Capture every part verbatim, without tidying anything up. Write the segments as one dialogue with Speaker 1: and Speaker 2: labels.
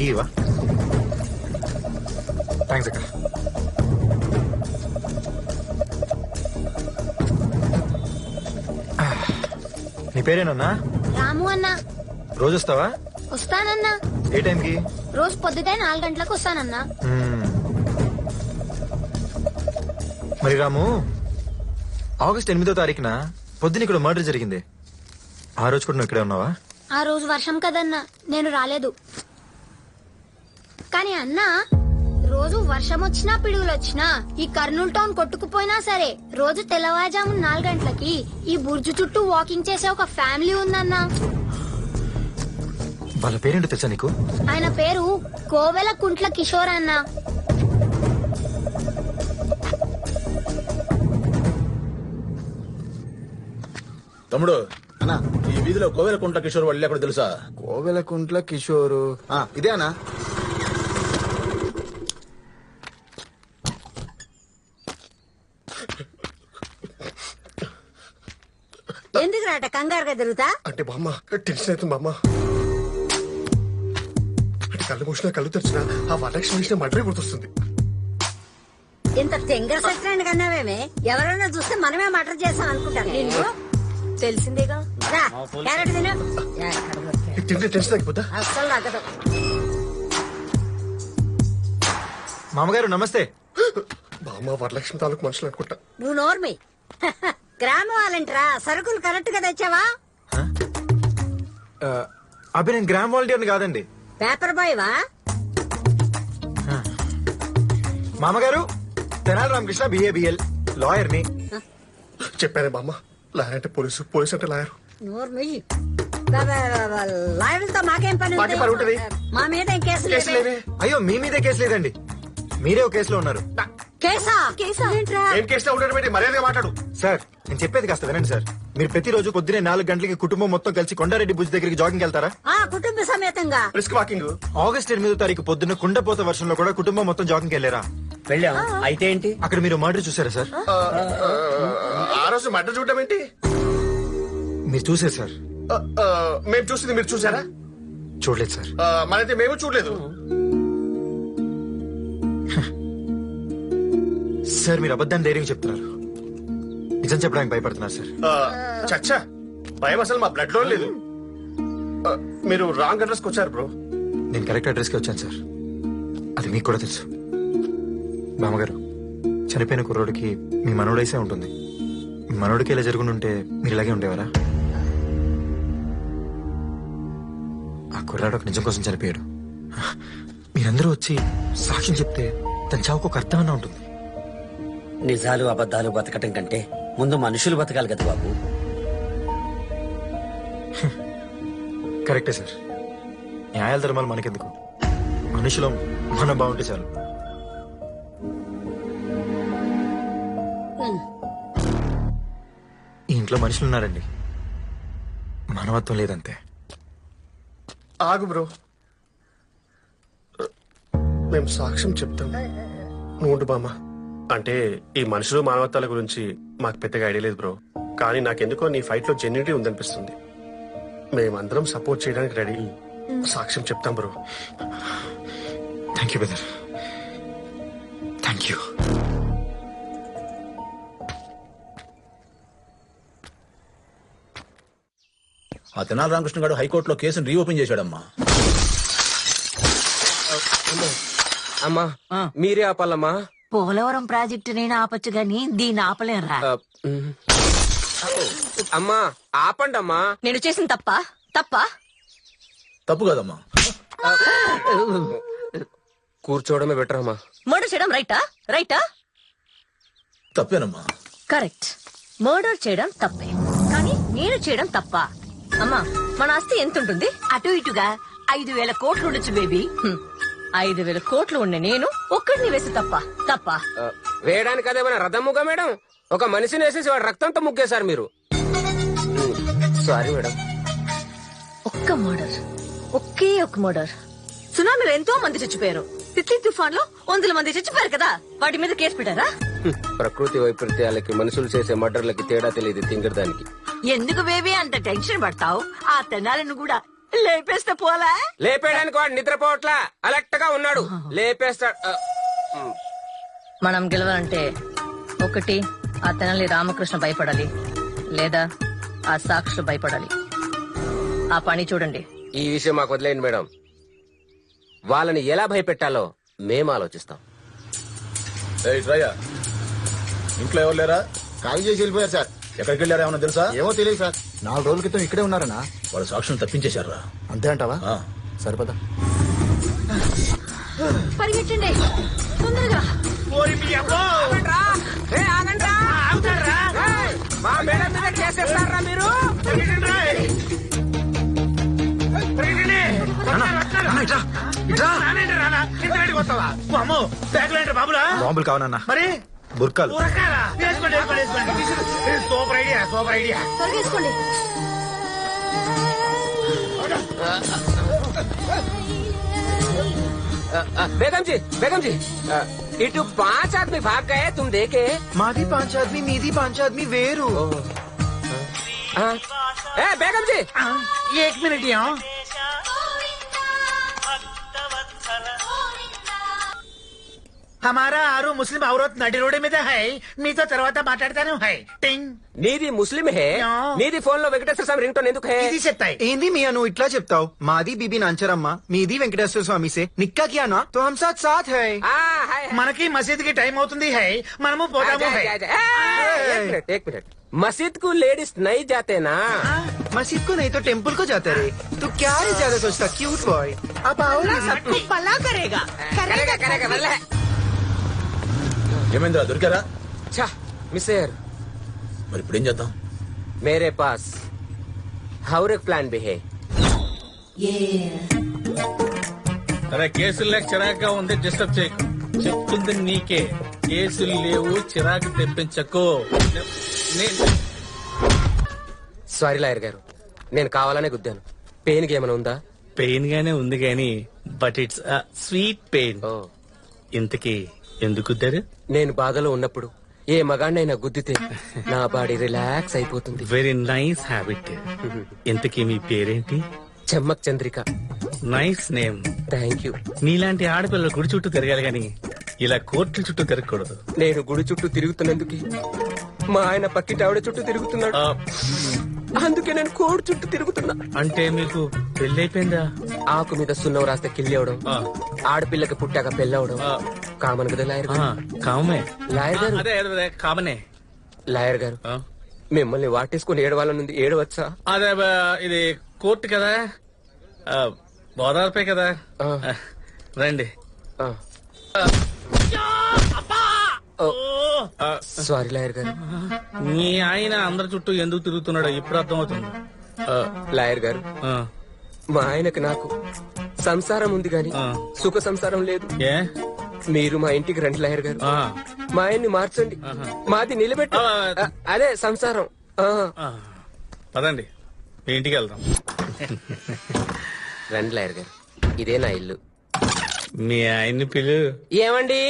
Speaker 1: Tea ఇవా? Thanks అక్క. నీ పేరేనన్నా?
Speaker 2: రాము అన్నా.
Speaker 1: రోజు వస్తావా?
Speaker 2: వస్తానన్నా.
Speaker 1: ఏ టైంకి?
Speaker 2: రోజు పొద్దుటే నాలుగు గంటలకు వస్తానన్నా.
Speaker 1: మరి రాము, ఆగస్ట్ ఎనిమిదో తారీఖున పొద్దున ఇక్కడ మర్డర్ జరిగింది. ఆ రోజు కూడా నువ్వు ఇక్కడే ఉన్నావా?
Speaker 2: ఆ రోజు వర్షం కదన్నా, నేను రాలేదు. కానీ అన్నా, రోజు వర్షం వచ్చినా పిడుగులు వచ్చినా ఈ కర్నూలు టౌన్ కొట్టుకుపోయినా సరే రోజు తెల్లవారుజాము నాలుగు గంటలకి ఈ బుర్జు చుట్టూ వాకింగ్ చేసే ఒక ఫ్యామిలీ ఉందన్నా.
Speaker 1: వాళ్ళ పేరేంటో తెలుసా నీకు?
Speaker 2: ఆయన పేరు కోవెల కుంట్ల కిషోర్ అన్నా.
Speaker 3: తమ్ముడు అన్నా, ఈ వీధిలో కోవెల కుంట్ల కిషోర్ వాళ్ళు ఎక్కడ తెలుసా?
Speaker 4: కోవెల కుంట్ల కిషోరు ఇదే అన్నా.
Speaker 5: ఎందుకు రాట కంగారుగా తిరుగుతా?
Speaker 6: అంటే బామ్మ టెన్షన్ అవుతుంది బామ్మ. అంటే కళ్ళు మూసినా కళ్ళు తెరిచినా ఆ వరలక్ష్మి విషయం మటరే గుర్తొస్తుంది.
Speaker 5: ఇంత తెంగర సత్యాన్ని కన్నావేమే? ఎవరైనా చూస్తే మనమే మటర్ చేస్తాం అనుకుంటాను. నిన్ను
Speaker 7: తెలిసిందేగా.
Speaker 5: రా, క్యారెట్ తిను. ఎక్కడ దొరికాయి?
Speaker 6: తింటే టెన్షన్ తగ్గిపోతా.
Speaker 5: అస్సలు తగ్గదు.
Speaker 1: మామగారు నమస్తే.
Speaker 6: బామ్మ వరలక్ష్మి తాలూకు మనుషులు అనుకుంటా.
Speaker 5: నువ్వు నోర్మి. గ్రామం వాళ్ళంటరా, సరుకులు కరెక్ట్ గా తెచ్చావా?
Speaker 1: అబ్బే, నేను గ్రామ్ వాలంటీర్ని కాదండి.
Speaker 5: పేపర్ బాయ్ వా?
Speaker 1: మామగారు, తెనాలి రామకృష్ణ, బిఏబిఎల్ లాయర్ ని.
Speaker 6: చెప్పానే బామ్మ, లాయర్ అంటే పోలీసు, పోలీసు అంటే లాయర్.
Speaker 5: నోర్మి. లాయర్లతో మాకేం పని
Speaker 6: మాకేం పని ఉంటది?
Speaker 5: మా మీద ఏం కేసులు
Speaker 6: కేసు
Speaker 5: లేవే?
Speaker 6: లేవే.
Speaker 1: అయ్యో, మీ మీదే కేసు లేదండి, మీరే ఒక కేసులో ఉన్నారు.
Speaker 5: కేసా? కేసా ఏంట్రా?
Speaker 6: ఏం కేసులో ఉండడం ఏంటి? మర్యాదగా మాట్లాడు.
Speaker 1: సార్, నేను చెప్పేది కాస్త వినండి సార్. మీరు ప్రతిరోజు పొద్దునే నాలుగు గంటలకి కుటుంబం మొత్తం కలిసి కొండారెడ్డి భుజ్ దగ్గరికి జాగింగ్ వెళ్తారా?
Speaker 5: ఆ కుటుంబ సమేతంగా.
Speaker 6: Risk walking.
Speaker 1: ఆగస్ట్ ఎనిమిదో తారీఖు పొద్దున్న కుండపోత వర్షంలో కూడా కుటుంబం మొత్తం జాగింగ్ వెళ్ళారా?
Speaker 8: వెళ్ళాం. అయితే ఏంటి?
Speaker 1: అక్కడ మీరు మర్డర్ చూసారా సార్?
Speaker 6: ఆ రోజు మర్డర్ చూడడం ఏంటి?
Speaker 1: మీరు చూసారు సార్?
Speaker 6: మేము చూసింది మీరు చూసారా?
Speaker 1: చూడలేదు సార్.
Speaker 6: మనైతే మేము చూడలేదు.
Speaker 1: సార్, మీరు అబద్ధాన్ని ధైర్యం చెప్తున్నారు. నిజం చెప్పడానికి భయపడుతున్నారు సార్.
Speaker 6: చచ్చా, భయం అసలు మా బ్లడ్ లో లేదు. మీరు రాంగ్ అడ్రస్ కి వచ్చారు బ్రో.
Speaker 1: నేను కరెక్ట్ అడ్రస్ కి వచ్చాను సార్, అది మీకు కూడా తెలుసు. బామ్మగారు, చనిపోయిన కుర్రోడికి మీ మనోడైసే ఉంటుంది. మీ మనోడికి ఇలా జరుగుంటే మీరు ఇలాగే ఉండేవారా? ఆ కుర్రాడు ఒక నిజం కోసం చనిపోయాడు. మీరందరూ వచ్చి సాక్ష్యం చెప్తే తన చావుకు ఒక అర్థమన్నా ఉంటుంది.
Speaker 8: నిజాలు అబద్ధాలు బతకటం కంటే ముందు మనుషులు బతకాలి కదా బాబు.
Speaker 1: కరెక్టే సార్. న్యాయాల ధర్మాలు మనకెందుకు, మనుషులం మనం బాగుంటే చాలు. ఈ ఇంట్లో మనుషులు ఉన్నారండి, మానవత్వం లేదంతే.
Speaker 6: ఆగు బ్రో, మేము సాక్ష్యం చెప్తాం, నువ్వు ఉండు బామ్మ. అంటే ఈ మనుషులు మానవత్వాల గురించి మాకు పెద్దగా ఐడియా లేదు బ్రో. కానీ నాకెందుకో నీ ఫైట్ లో జెన్యూనిటీ ఉందనిపిస్తుంది. మేమందరం సపోర్ట్ చేయడానికి రెడీ. సాక్ష్యం చెప్తాం bro.
Speaker 1: Thank you brother, thank you.
Speaker 3: ఆ తెనాలి రామకృష్ణ గారు హైకోర్టులో కేసును రీఓపెన్ చేశాడమ్మా.
Speaker 9: అమ్మా మీరే ఆపాలమ్మా.
Speaker 7: పోలవరం ప్రాజెక్టు నేను ఆపచ్చు గాని దీన్ని ఆపలేరా?
Speaker 9: అమ్మా ఆపండి అమ్మా.
Speaker 7: నేను చేసిన తప్ప తప్ప
Speaker 3: తప్పు కదమ్మా.
Speaker 9: కూర్చోవడమే బెటర్ అమ్మా.
Speaker 7: మర్డర్ చేయడం రైటా? రైటా?
Speaker 3: తప్పేనమ్మా.
Speaker 7: కరెక్ట్. మర్డర్ చేయడం తప్పే, కానీ నేను చేయడం తప్ప. అమ్మా, మన ఆస్తి ఎంత ఉంటుంది? అటు ఇటుగా ఐదు వేల కోట్లు ఉండొచ్చు బేబీ. ఐదు వేల కోట్లు ఉండే నేను ఒక్కడిని వేసి తప్ప తప్ప
Speaker 9: వేయడానికి అదేమైనా రథముగా మేడం? ఒక మనిషిని వేసేసి వాడు రక్తంతో ముగ్గేశారు మీరు. Sorry madam.
Speaker 7: ఒక్క మర్డర్, ఒకే ఒక్క మర్డర్. సునామీలో ఎంతో మంది చచ్చిపోయారు. తిత్లీ తుఫాన్ లో వందల మంది చచ్చిపోయారు కదా, వాటి మీద కేసు పెట్టారా?
Speaker 9: ప్రకృతి వైపరీత్యాలకి మనుషులు చేసే మర్డర్లకి తేడా తెలియదు తింగరదానికి.
Speaker 7: ఎందుకు బేబీ అంత టెన్షన్ పడతావు? ఆ తెనాలను కూడా లేపేస్తే పోలా?
Speaker 9: లేపేయడానికి వాడు నిద్రపోవట్లా, అలర్ట్ గా ఉన్నాడు. లేపేస్తాడు. ఆ, ఉమ్.
Speaker 7: మనం గెలవాలంటే ఒకటి ఆ తెనాలి రామకృష్ణ భయపడాలి, లేదా ఆ సాక్షులు భయపడాలి. ఆ పని చూడండి.
Speaker 9: ఈ విషయం మాకు వదిలేయండి మేడం. వాళ్ళని ఎలా భయపెట్టాలో మేము ఆలోచిస్తాం.
Speaker 3: ఏయ్ శ్రయ్య, ఇంట్లో ఎవరు లేరా?
Speaker 4: ఖాళీ చేసి వెళ్ళిపోయారు సార్.
Speaker 3: ఎక్కడికి వెళ్ళారా ఏమన్నా తెలుసా?
Speaker 4: ఏమో తెలియదు సార్. నాలుగు రోజుల క్రితం ఇక్కడే ఉన్నారనా?
Speaker 3: వాళ్ళ సాక్షులు తప్పించేశారా?
Speaker 4: అంతే అంటావా?
Speaker 3: ఆ.
Speaker 4: సరిపదా.
Speaker 2: పరిగెట్టండి తొందరగా.
Speaker 9: ఆగండ్రా. ఏ, ఆగండ్రా. ఏయ్, మా మేడం మీద కేసేస్తారా మీరు?
Speaker 1: బాంబులు కావాలన్నా
Speaker 10: మరి
Speaker 1: బుర్కాలు.
Speaker 10: ఉరకాలా? వేసుకోండి వేసుకోండి వేసుకోండి. Super idea super idea.
Speaker 2: తొలగేసుకోండి.
Speaker 9: ఆ, బేగం జీ బేగం జీ ఆ, ఇటు పాంచ్ ఆద్మీ భాగ్ గయే తుమ్ దేకే.
Speaker 1: మాది పాంచ్ ఆద్మీ, మీది పాంచ్ ఆద్మీ వేరు.
Speaker 9: ఆ, ఏ బేగం జీ
Speaker 10: एक मिनट यहाँ. हमारा आरू मुस्लिम औरत नडी रोड మీద है. మీతో తర్వాత మాట్లాడతాను. హై టింగ్.
Speaker 9: నీది ముస్లిం హే,
Speaker 10: యా.
Speaker 9: నీది ఫోన్ లో వెంకటేశ్వర స్వామి రింగ్ టోన్ ఎందుకు హే?
Speaker 10: ఇది చెప్తాయి.
Speaker 1: ఏంది మీ నువ్వు ఇట్లా చెప్తావు? మాది బీబీ నాంచరమ్మ, మీది వెంకటేశ్వర స్వామి సే నిక్కా కియా నా తో హమ్ సాత్ సాత్ హై.
Speaker 9: ఆ, హై, హై.
Speaker 10: మనకి మసీద్ కి టైం అవుతుంది. హై మనము పోదాము.
Speaker 9: ఆజా,
Speaker 10: హై
Speaker 9: ఆజా, ఆజా. ఏ, एक मिनट एक मिनट मस्जिद को लेडीज नहीं जाते ना?
Speaker 1: मस्जिद को नहीं तो टेम्पल को जाते रे. तू क्या रे ज्यादा सोचता क्यूट बॉय. अब आओ ना सबको.
Speaker 7: పలా కరేగా.
Speaker 9: करेगा करेगा वल्ले.
Speaker 3: ఏమైందిరా, దొరికారా?
Speaker 9: ఛా, మిస్టర్
Speaker 3: మరి ఇప్పుడు ఏం చేద్దాం?
Speaker 9: मेरे पास और एक प्लान भी है.
Speaker 11: అరే కేసులు లేక చిరాగ్గా ఉంది, డిస్టర్బ్ చేయకు. చెప్తుంది నీకే. కేసులు లేవు, చిరాకు తెప్పించకు. నే-
Speaker 9: సారీ లాయర్ గారు, నేను కావాలనే గుద్దాను. పెయిన్ కి ఏమైనా ఉందా?
Speaker 11: పెయిన్ గానే ఉంది గాని బట్ ఇట్స్ స్వీట్ పెయిన్.
Speaker 9: ఓ,
Speaker 11: ఇంతకీ ఎందుకు గుద్దారు?
Speaker 9: నేను బాధలో ఉన్నప్పుడు ఏ మగాడినైనా గుద్దితే నా బాడీ రిలాక్స్ అయిపోతుంది.
Speaker 11: Very nice habit. ఇంతకీ మీ పేరేంటి?
Speaker 9: Chemmak Chandrika.
Speaker 11: Nice name.
Speaker 9: Thank you.
Speaker 11: నీలాంటి ఆడపిల్లలు గుడి చుట్టూ తిరగాలి గాని ఇలా కోర్టుల చుట్టూ తిరగకూడదు.
Speaker 9: నేను గుడి చుట్టూ తిరుగుతున్నందుకు మా ఆయన పక్కింటి ఆవిడ చుట్టూ తిరుగుతున్నాడు.
Speaker 11: ఆ,
Speaker 9: అందుకే నేను కోడి చుట్టూ తిరుగుతున్నా.
Speaker 11: అంటే మీకు పెళ్ళైపోయిందా?
Speaker 9: ఆకు మీద సున్నం రాస్తే కిల్లి అవడం,
Speaker 11: ఆ,
Speaker 9: ఆడపిల్లకి పుట్టాక పెళ్ళవడం
Speaker 11: ఆ,
Speaker 9: కామన్ కదా లాయర్
Speaker 11: ఆ,
Speaker 9: గారు.
Speaker 11: కామనే.
Speaker 9: లాయర్ గారు
Speaker 11: అదే అదే, అదే కామనే.
Speaker 9: లాయర్ గారు
Speaker 11: ఆ,
Speaker 9: మిమ్మల్ని వాటేసుకుని ఏడవాళ్ళ నుండి ఏడవచ్చా?
Speaker 11: అదే బా, ఇది కోర్టు కదా, ఆ, గోదావరిపై కదా.
Speaker 9: ఆ.
Speaker 11: ఆ, రండి.
Speaker 9: ఆ.
Speaker 11: ఓ,
Speaker 9: ఓ,
Speaker 11: ఆ,
Speaker 9: సారీ లాయర్ గారు.
Speaker 11: మీ ఆయన అందరి చుట్టూ ఎందుకు తిరుగుతున్నాడో ఇప్పుడు అర్థమవుతుంది. ఆ,
Speaker 9: లాయర్ గారు,
Speaker 11: ఆ,
Speaker 9: మా ఆయనకు నాకు సంసారం ఉంది గాని
Speaker 11: ఆ.
Speaker 9: సుఖ సంసారం లేదు.
Speaker 11: ఏ
Speaker 9: మీరు మా ఇంటికి రండి లాయర్ గారు.
Speaker 11: ఆ,
Speaker 9: మా ఆయన్ని మార్చండి,
Speaker 11: ఆహా.
Speaker 9: మాది నిలబెట్టి
Speaker 11: ఆ.
Speaker 9: ఆ, అదే సంసారం. ఆ.
Speaker 11: ఆ, పదండి మీ ఇంటికి వెళ్దాం.
Speaker 9: రండి లాయర్ గారు, ఇదే నా ఇల్లు.
Speaker 11: మీ ఆయన్ని పిలు.
Speaker 9: ఏమండి?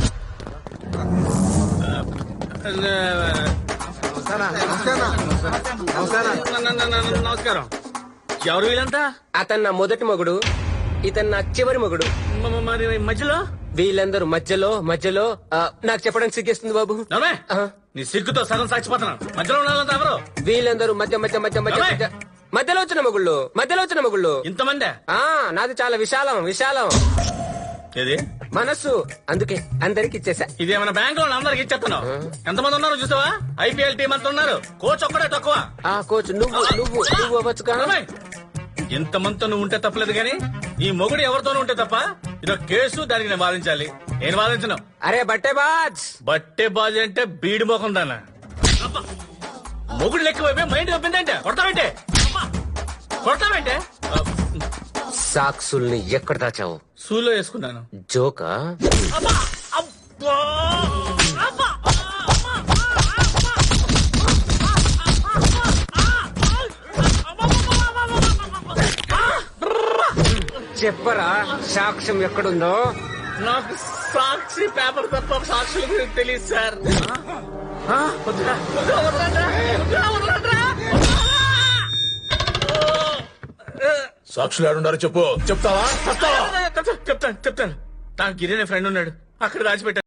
Speaker 11: నమస్కారం. ఎవరు వీళ్ళంతా?
Speaker 9: అతను నా మొదటి మగుడు, ఇతను నా చివరి మగుడు.
Speaker 11: మ- మ- మరి మధ్యలో
Speaker 9: వీళ్ళందరూ మధ్యలో మధ్యలో ఆ, నాకు చెప్పడానికి సిగ్గేస్తుంది బాబు.
Speaker 11: నవ్వే?
Speaker 9: ఆ.
Speaker 11: నీ సిగ్గుతో సగం సాక్షిపోతున్నాను. మధ్యలో ఉండాలంతా ఎవరు?
Speaker 9: వీళ్ళందరూ మధ్య మధ్య మధ్య మధ్య
Speaker 11: నవ్వే?
Speaker 9: మధ్య మధ్యలో వచ్చిన మగుళ్ళు, మధ్యలో వచ్చిన మగుళ్ళు.
Speaker 11: ఇంతమంది?
Speaker 9: ఆ నాది చాలా విశాలం విశాలం
Speaker 11: ఏది
Speaker 9: మనస్సు, అందుకే అందరికి ఇచ్చేసా.
Speaker 11: ఇదేమైనా బ్యాంక్ లో అందరికి ఇచ్చేస్తున్నావు? ఎంతమంది ఉన్నారు చూసావా? ఐపీఎల్ టీం అంతా ఉన్నారు. కోచ్ ఒక్కడే తక్కువ.
Speaker 9: ఆ కోచ్ నువ్వు నువ్వు నువ్వు అవ్వచ్చుగా.
Speaker 11: ఇంతమందితో నువ్వు ఉంటే తప్పలేదు గాని ఈ మొగుడు ఎవరితోనూ ఉంటే తప్ప ఇదొక కేసు, దానికి నేను వాదించాలి. నేను వాదించను.
Speaker 9: అరే బట్టే బాజ్.
Speaker 11: బట్టే బాజీ అంటే బీడి మోకం దాన్న. మొగుడు లెక్క వైపే మైండ్ తప్పిందంటే కొడతావంటే కొడతావంటే
Speaker 9: సాక్సుల్ని ఎక్కడ దాచావు?
Speaker 11: సూలో వేసుకున్నాను.
Speaker 9: జోకా? చెప్పరా సాక్ష్యం ఎక్కడుందో?
Speaker 11: నాకు సాక్షి పేపర్ తప్ప సాక్షుల గురించి తెలియదు సార్. వద్దురా, వద్దురా, వదలండ్రా, వద్దురా, వదలండ్రా.
Speaker 3: సాక్షులు ఆడుండారో చెప్పు చెప్తావా చెప్తావా
Speaker 11: చెప్తాను చెప్తాను చెప్తాను నాకు గిరి అనే ఫ్రెండ్ ఉన్నాడు అక్కడ దాచిపెట్టాను